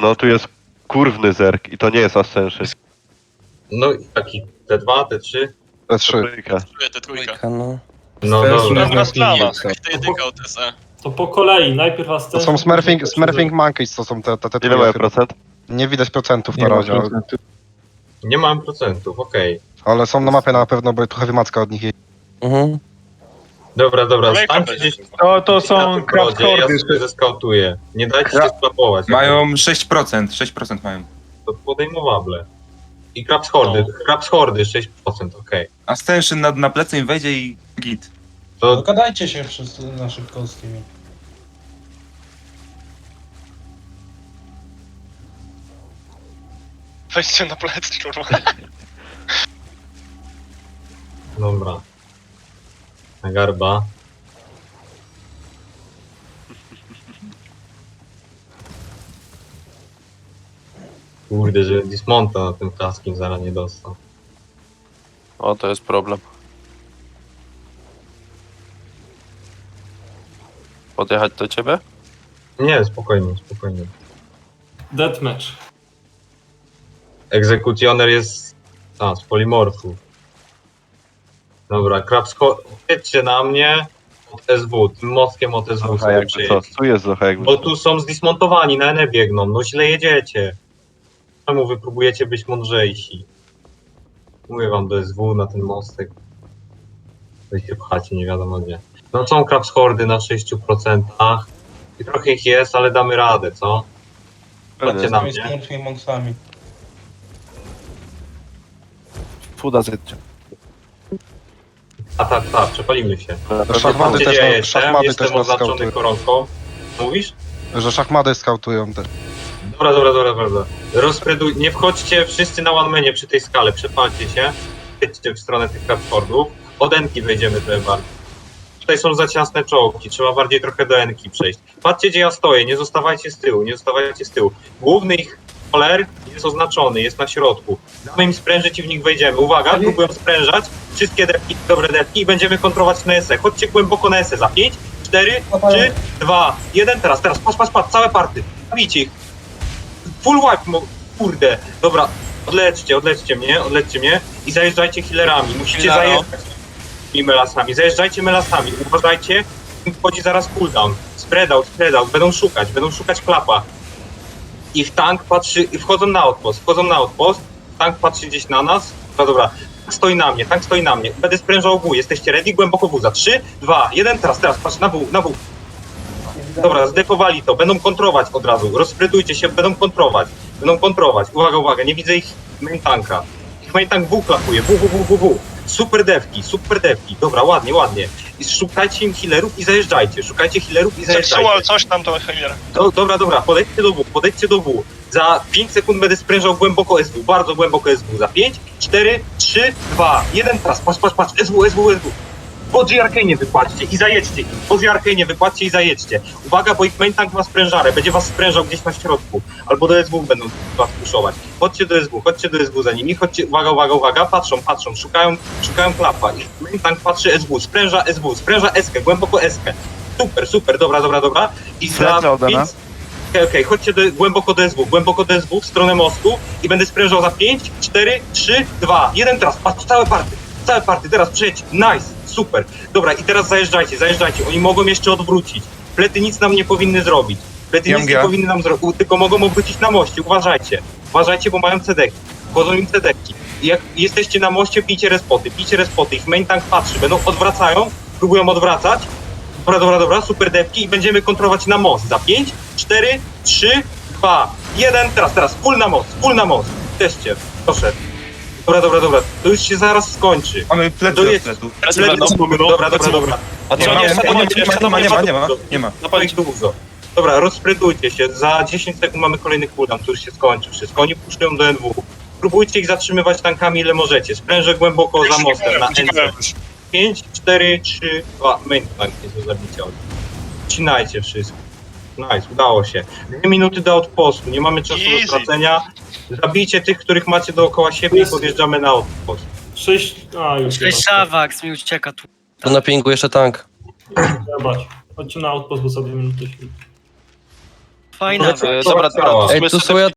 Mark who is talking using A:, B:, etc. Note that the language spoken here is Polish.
A: No tu jest kurwny zerk i to nie jest Ascension.
B: No i taki T2, T3.
C: T3.
A: Trójka.
D: Te trójka.
E: No.
B: No dobra.
D: Dobra strona.
F: To,
D: To jedynka od SE.
G: To po kolei, najpierw
C: To
G: Ascension.
C: są Smurfing Monkeys, to są te
A: Ile mają
C: trójki.
A: procent?
C: Nie widać procentów na razie,
B: Nie mam procentów, okej.
C: ale są na mapie na pewno, bo tu heavy macka od nich jedzie.
E: Mhm.
B: Dobra,
D: Kolejka
B: stańcie
D: będzie
B: gdzieś
F: to
B: na
F: są
B: tym brodzie,
F: crafthordy.
B: ja zeskautuję. Nie dajcie się sklapować.
F: Mają 6% mają.
B: To podejmowable. I Krabs Hordy 6%, okej.
F: Ascension na plecy im wejdzie i git.
B: To
H: Dogadajcie się wszyscy na szybko z tymi.
D: Weźcie na plecy, kurwa.
B: dobra. Na garba. Kurde, że dismonta na tym kaskim zaraz nie dostał.
E: O, to jest problem. Podjechać do ciebie?
B: Nie, spokojnie, spokojnie.
G: Deathmatch.
B: Egzekutioner jest... z polimorfów. Dobra, jedźcie na mnie od SW, tym mostkiem od SW
A: Zocha
B: sobie
A: jakby co?
B: przyjedź.
A: Tu jest Zocha jakby
B: Bo
A: co.
B: tu są zdismontowani, na Ene biegną, no źle jedziecie. Czemu wy próbujecie być mądrzejsi? Mówię wam do SW na ten mostek. Wy się pchacie nie wiadomo gdzie. No są Krabs Hordy na 6%. I trochę ich jest, ale damy radę, co? Chodźcie na
H: Z tymi
B: mnie.
H: Smurfing Monksami.
E: Fuda zjedźcie.
B: A tak, przepalimy się.
C: Szachmady
B: Gdzie
C: też,
B: ja
C: też
B: jestem
C: nas
B: oznaczony
C: skautują.
B: koronką. Mówisz?
C: Że szachmady skautują te.
B: Dobra. Rozpreduj, nie wchodźcie wszyscy na one-manie przy tej skale, przepalcie się. Jedźcie w stronę tych platformów. Od Enki wejdziemy trochę bardziej. Tutaj są za ciasne czołgi, trzeba bardziej trochę do Enki przejść. Patrzcie gdzie ja stoję, nie zostawajcie z tyłu, nie zostawajcie z tyłu. Główny ich koler jest oznaczony, jest na środku. Damy im sprężyć i w nich wejdziemy. Uwaga, próbują sprężać, wszystkie depki, dobre depki i będziemy kontrolować na SE. Chodźcie głęboko na SE za 5, 4, 3, 2, 1, teraz, patrz, całe party. Zabijcie ich. Full wipe, kurde. Dobra, odlećcie mnie i zajeżdżajcie healerami. Musicie zajeżdżać tymi melasami. Zajeżdżajcie melasami, uważajcie, wchodzi zaraz cooldown. Spread out, będą szukać klapa. Ich tank patrzy, wchodzą na outpost, tank patrzy gdzieś na nas. Dobra, tank stoi na mnie. Będę sprężał W, jesteście ready? Głęboko W, za 3, 2, 1, teraz, patrz, na W. Dobra, zdefowali to, będą kontrować od razu, rozprytujcie się, będą kontrować. Uwaga, nie widzę ich main tanka. Ich main tank W klapuje, W. Super devki, dobra, ładnie. I szukajcie im healerów i zajeżdżajcie,
D: Zepsuł coś tam to healer.
B: Dobra, podejdźcie do W. Za 5 sekund będę sprężał głęboko SW, bardzo głęboko SW. Za 5, 4, 3, 2, 1, teraz, patrz, SW. Bodzi Arcane wypłaćcie i zajedźcie. Uwaga, bo ich main tank ma sprężarę, będzie was sprężał gdzieś na środku. Albo do SW będą was puszować. Chodźcie do SW za nimi, uwaga, patrzą, szukają klapa. Ich main tank patrzy spręża eskę, głęboko eskę. Super, dobra. I za 5... Okej, chodźcie głęboko do SW, w stronę mostu i będę sprężał za 5, 4, 3, 2, 1, teraz, patrz, całe party, teraz przejdź, nice, super. Dobra, i teraz zajeżdżajcie, oni mogą jeszcze odwrócić. Plety nic nam nie powinny zrobić. Tylko mogą obrócić na moście, uważajcie, bo mają cedeki, wchodzą im cedeki. I jak jesteście na moście, pijcie respoty, ich main tank patrzy, próbują odwracać. Dobra, super depki i będziemy kontrolować na most. Za 5, 4, 3, 2, 1, teraz, full na most. Teście, proszę. Dobra, to już się zaraz skończy.
F: Mamy plecy od pletu.
B: Dobra.
D: A co
F: Nie ma.
B: No ich dużo. Dobra, rozpredujcie się, za 10 sekund mamy kolejny cooldown, to już się skończy wszystko. Oni puszują do NW. Próbujcie ich zatrzymywać tankami ile możecie. Sprężę głęboko za mostem na NC. 5, 4, 3, 2, main tank jest do zabicia. Wcinajcie wszystko. Nice, udało się. 2 minuty do outpostu, nie mamy czasu do stracenia. Zabijcie tych, których macie dookoła siebie i podjeżdżamy na outpost.
G: 6... już chyba.
I: Szawaks mi ucieka tu.
E: Tu na pingu jeszcze tank.
G: Zobacz. Chodźcie na outpost, bo za 2 minuty się...
I: Fajna.
E: Dobra,
B: Cała.
E: teraz
J: Ej, tu są